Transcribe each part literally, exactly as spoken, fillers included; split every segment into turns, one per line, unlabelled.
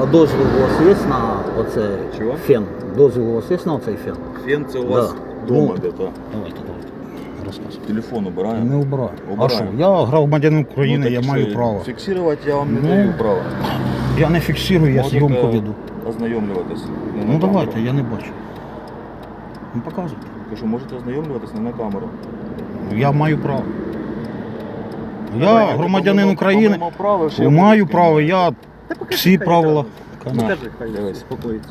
А дозвіл у вас є на оцей
Чого?
фен? Дозвіл у вас є на оцей фен?
Фен це у вас
Да.
вдома
Ну,
де-то.
Давайте, давайте. Розказуйте.
Телефон убираємо.
Не убираю. А
Убираємо.
що? Я громадянин України,
Ну,
я
так
маю
що,
право.
Фіксувати я вам не
Ну,
даю права.
Я не фіксую, я
Можете
зйомку веду.
ознайомлюватись. Не на
Ну
камеру.
давайте, я не бачу. Ну показуйте.
Кажу, можете ознайомлюватись не на камеру.
Я маю право. Я
Давайте,
громадянин
помимо-
України,
помимо права, ще
маю
будь-які.
право, я всі правила.
На,
Скажи, хай
дивись.
спокоїться.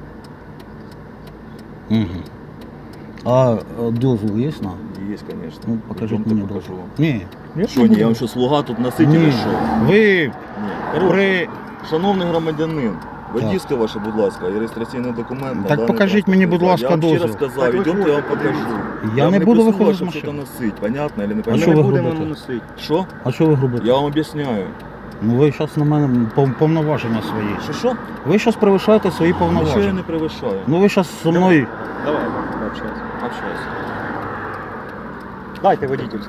Угу. А е, дозвіл є на?
Є, звісно.
Ну покажіть
Йдемте,
мені
покажу
дозвіл.
вам.
Ні. Я
Що, ні, я вам що, слуга тут носитель
Ні.
чи що?
Ви
Ні.
при...
Шановний громадянин, водійське ваше, будь ласка, і реєстраційний документ. на
Так
даний
покажіть мені, будь
транспортний
ласка,
засіб. Я вам
дозвіл.
ще раз сказав,
Так
йдемте, я вам
виходьте,
покажу.
Я
вам
не буду
просила,
виходити з
щоб
машини.
щось носити, понятно, или не
А
Ми
що
понятно?
не
ви
будемо
робите?
носити.
Що?
А що ви робите?
Я вам об'ясняю.
Ну ви зараз на мене пов- повноваження свої.
Що, що?
Ви зараз перевищаєте свої
Нічого я
повноваження.
не перевищаю.
Ну ви зараз зі мною.
Давай, пообщайся.
Общайся.
Дайте водительську.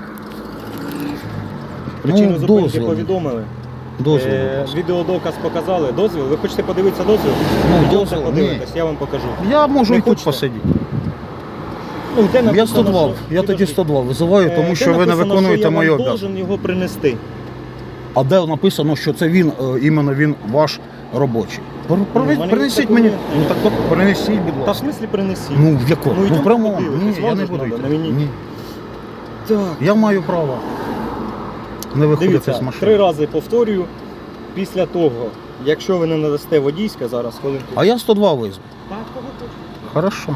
Ну,
Причину зупинки
дозвіл.
повідомили.
Дозвіл.
Е, відеодоказ показали. Дозвіл. Ви хочете подивитися дозвіл?
Ну,
Йдемте
дозвіл,
подивитись, я вам покажу.
Я можу
Не
і тут
хочете?
посидіти.
Ну, де
Я
написано,
сто два.
що-
Я тоді
Підожди.
сто два визиваю,
Е,
тому
де
що ви не
написано,
виконуєте
що
мої
я вам
обов'язки.
должен його принести.
А де написано, що це він, е, іменно він ваш робочий? Пр-
Ну,
привез-
в мене
Принесіть
є
мені.
документи.
Ну так от принесіть, будь
Та в
ласка.
смислі принесіть?
Ну в якому?
Ну,
Ну,
йдемо
в прямому.
подивитись,
Ні, я
вам
не
ж
буду
надо,
йти.
на мені.
Ні.
Так.
Я маю право не виходити
Дивіться,
з
три
машини.
рази повторюю. Після того, якщо ви не надасте водійське, зараз хвилинку.
А я сто два визву.
Так, кого хочете.
Хорошо.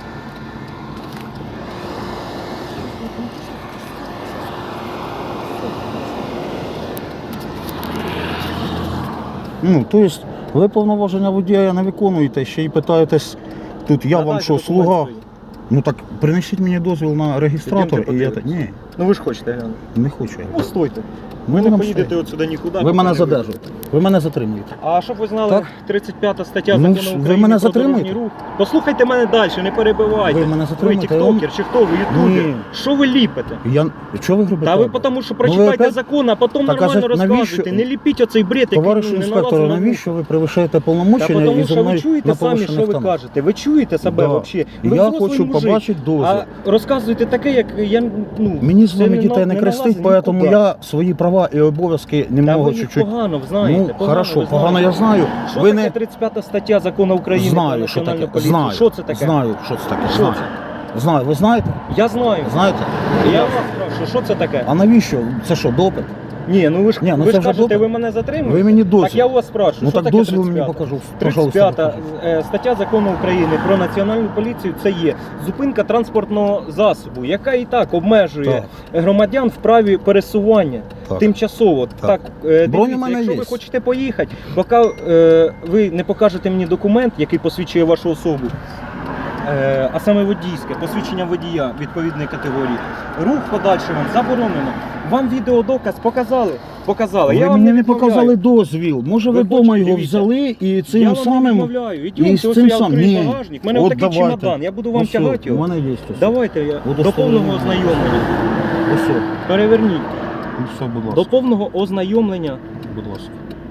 Ну, то есть, ви повноваження водія не виконуєте, ще й питаєтесь, тут я вам
Надайте
що,
документ
слуга?
свій.
Ну так принесіть мені дозвіл на реєстратор
Ідемте
і я так.
подивитись.
Ні,
Ну ви ж хочете глянути.
не хочу я.
Ну стойте.
Ми
Ви не
будемо
поїдете
стояти.
от сюди нікуди.
Ви
поки
мене
не
задержуєте, ви мене затримуєте.
А щоб ви знали,
Так.
тридцять п'ята стаття
Ну,
закону
ж, ви
України
мене
про дорожній
затримуєте?
рух. Послухайте мене далі, не перебивайте.
Ви мене затримуєте,
Ви
я вам-
тіктокер чи хто ви, ютубер?
Ні.
Що ви ліпите?
Я... Чого ви робите?
Та ви тому що
Ну, ви
прочитайте
опять-
закон, а потім
Так, а
нормально
за-
розказуйте.
навіщо-
Не ліпіть оцей бред, який
Товаришу
ну, не
інспектору,
налазить на вух.
навіщо ви перевищаєте
Та
повномочення і
тому
зі
що ви
мною
чуєте
на
самі,
повищених
що ви
тонах?
кажете. Ви чуєте себе
Да.
взагалі? Ви
Я
взрослий
хочу
мужик.
побачити дозвіл.
А розказуєте таке, як я, ну...
Мені з
це
вами
не
дітей
на-
не
не
крестить,
налазить
тому
нікуди.
я свої права і обов'язки
Та
немного
ви їх
чуть-чуть.
погано знаєте.
Ну,
погано
хорошо,
ви
погано
знаєте.
я знаю.
Що
Ви
таке
не
тридцять п'ята стаття закону України про
знаю, що
національну
таке.
поліцію?
Знаю.
Що це таке?
Знаю, що це таке.
Що
Знаю. Знаю. Ви знаєте?
Я знаю.
Знаєте?
Я вас спрашиваю, що це таке?
А навіщо? Це що, допит?
Ні, ну ви ж,
Ні, ну
ви
це
ж
вже
кажете,
допит.
ви мене затримуєте?
Ви мені дозвіл.
Так я у вас спрашиваю,
Ну
що
так
таке
дозвіл мені
тридцять п'ята?
покажу.
тридцять
Пожалуйста,
п'ята
покажіть.
е, стаття закону України про національну поліцію це є зупинка транспортного засобу, яка і так обмежує громадян в праві пересування
Так.
тимчасово.
Так.
Так, е,
Бронь у
дивіться,
мене
якщо
є.
ви хочете поїхати, поки е, ви не покажете мені документ, який посвідчує вашу особу, е, а саме водійське, посвідчення водія відповідної категорії, рух подальший вам заборонено. Вам відеодоказ показали? Показали.
Ви
я вам
мені
не
не
відмовляю.
показали дозвіл. Може ви
Ви
вдома
хочете,
його
дивіться.
взяли і цим
я вам не
самим.
відмовляю.
і
Ідіть,
з
ось
цим
я
сам-
відкрию
Ні.
багажник. У мене
От
отакий
давайте.
чемодан, я буду вам
Ось,
тягати
У
його.
мене є ось.
Давайте я до
Удостоверення.
повного ознайомлення.
Ось.
Переверніть.
Ну, все, будь
До
ласка.
повного ознайомлення.
Будь ласка.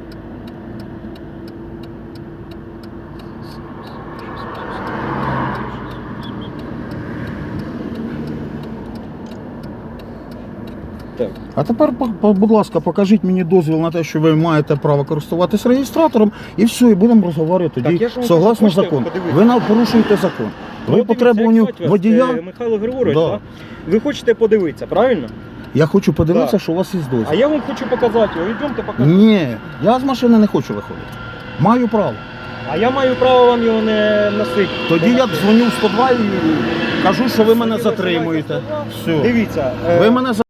Так.
А тепер, по- по- будь ласка, покажіть мені дозвіл на те, що ви маєте право користуватись реєстратором, і все, і будемо розговорювати
Так,
тоді
я ж вам
согласно
кажу, хочете
закону.
подивитися?
Ви на- порушуєте закон.
Ну,
Ви
от
по
дивіться,
требуванню
як звати вас?
водія.
Е, Михайло Григорович,
Да.
так? Ви хочете подивитися, правильно?
Я хочу подивитися,
Да.
що у вас є
А
дозвіл.
я вам хочу показати його. Йдемте покажу.
Ні, я з машини не хочу виходити. Маю право.
А я маю право вам його не носити.
Тоді я дзвоню в сто два і кажу, що ви мене
Тоді ви
затримуєте.
знаєте,
Все.
Дивіться. е,
Ви мене